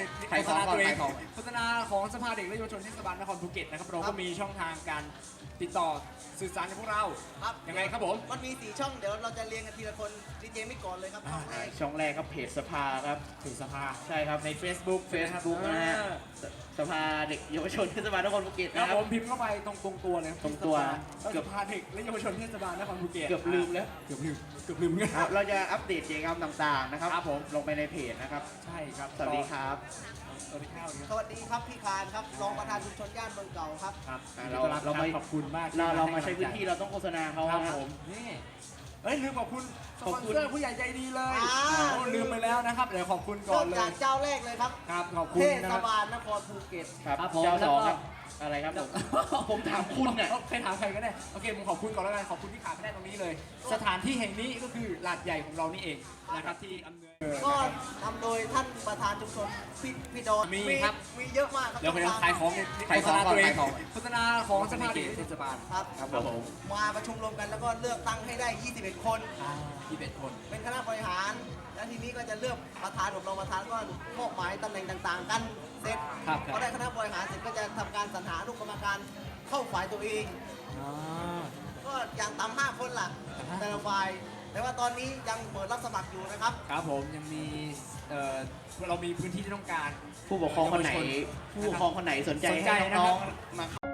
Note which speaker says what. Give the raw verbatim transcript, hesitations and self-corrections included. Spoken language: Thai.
Speaker 1: โฆษณาตัวเอง
Speaker 2: ขายของ
Speaker 1: โฆษณาของสภาเด็กและเยาวชนเทศบาลนครภูเก็ตนะครับเราก็มีช่องทางการติดต่อสื่อสารกับพวกเรา
Speaker 3: ครับ
Speaker 1: ยังไงครับผม
Speaker 3: มันมีสี่ช่องเดี๋ยวเราจะเรียงกันทีละคนดีเจไม่ก่อนเลยครับช่องแรก
Speaker 2: ช่องแรกครับเพจสภาครับ
Speaker 1: ถึงสภา
Speaker 2: ใช่ครับ
Speaker 1: ใน Facebook
Speaker 2: Facebook นะฮะสภาเด็กเยาวชนเทศบาลนครภูเก็ต
Speaker 1: ครั
Speaker 2: นะ
Speaker 1: บ
Speaker 2: ครั
Speaker 1: ผ
Speaker 2: บ
Speaker 1: มพิมพ์เข้าไปตรงตรงตัวเลยครับ
Speaker 2: ตรงตัว
Speaker 1: เกือบสภาเด็กและเยาวชนเทศบาลนครภูเก็ต
Speaker 2: เกือบลืมแล้ว
Speaker 1: เกือบลืมเกือบลืมเงี้ย
Speaker 2: ครับเราจะอัปเดตกิจกรรมต่างๆนะครับ
Speaker 1: ครับผม
Speaker 2: ลงไปในเพจนะครับ
Speaker 1: ใช่ครับ
Speaker 2: สวัสดีครับ
Speaker 1: สวัสดีครับ
Speaker 3: สวัสดีครับพี่คานครับรองประธานชุมชนย่านเมืองเก่าครับ
Speaker 1: ครับ
Speaker 2: อ่า
Speaker 1: เรา
Speaker 2: เรา
Speaker 1: เรา
Speaker 2: เราไม่
Speaker 1: ขอบคุณมากที่
Speaker 2: เราเรามา
Speaker 1: ให้
Speaker 2: ใช้พื้นที่เราต้องโฆษณาเขา
Speaker 1: ครับ
Speaker 2: นะ
Speaker 1: ผมนี่เอ้ยลืมขอบคุณส
Speaker 2: ขอบ
Speaker 1: ปอน
Speaker 2: คุณ
Speaker 1: เซอร์ผู้ใหญ่ใจดีเลย
Speaker 3: อ่า
Speaker 1: โอ้ลืมไปแล้วนะครับเดี๋ยวขอบคุณก่อ
Speaker 3: เริ่
Speaker 1: น
Speaker 3: ม
Speaker 1: เล
Speaker 3: จาก
Speaker 1: ย
Speaker 3: เจ้าแรกเลยครับ
Speaker 1: ครับขอบคุณ
Speaker 3: เท
Speaker 1: นะ
Speaker 3: ศ
Speaker 1: ครับ
Speaker 3: บาลนครภูเก็ต
Speaker 2: ครับ
Speaker 1: ครับผม
Speaker 2: เจ้าสอง
Speaker 1: แล้วก็
Speaker 2: ครับอะไรครับผมผมถามคุณเนี่ย
Speaker 1: ใครถามใครก็ได้โอเคผมขอบคุณก่อนแล้วกันขอบคุณที่ขาดไม่ได้ตรงนี้เลย สถานที่แห่งนี้ก็คือลาดใหญ่ของเรานี่เองนะครับที่อำนวย
Speaker 3: ก็นำโดยท่านประธานชุมชนพี่พี่ดอน
Speaker 1: มีครับ
Speaker 3: มีเยอะมากครับ
Speaker 1: เดี๋ยวไปขายของเนี่ย
Speaker 2: ขาย
Speaker 1: โฆ
Speaker 2: ข
Speaker 1: ษ
Speaker 2: อง
Speaker 1: ณาตัวเอง
Speaker 2: ขายของ
Speaker 1: โฆษณาของสภาเด็กเทศบาล
Speaker 3: ครับ
Speaker 2: ครับผม
Speaker 3: มาประชุมรวมกันแล้วก็เลือกตั้งให้ได้ ยี่สิบเอ็ด คน
Speaker 1: ยี่สิบเอ็ดคน
Speaker 3: เป็นคณะบริหาร แล้วทีนี้ก็จะเลือกประธานอบรมประธานก็มอบหมายตำแหน่งต่างๆ กันเสร็จ
Speaker 1: ครับ
Speaker 3: พอได้คณะบริหารเสร็จก็จะทำการสรรหาลูกกรรมการเข้าฝ่ายตัวเอง
Speaker 1: อ๋อ
Speaker 3: ก็อย่างต่ำห้าคนล่ะ แต่ละฝ่าย แต่ว่าตอนนี้ยังเปิดรับสมัครอยู่นะครับ
Speaker 1: ครับผมยังมีเอ่อเรามีพื้นที่ที่ต้องการ
Speaker 2: ผู้ปกครองคนไหน ผู้ปกครองคนไหนสนใจ
Speaker 1: สนใจ
Speaker 2: ให้
Speaker 1: นะครับ
Speaker 2: น้องๆมา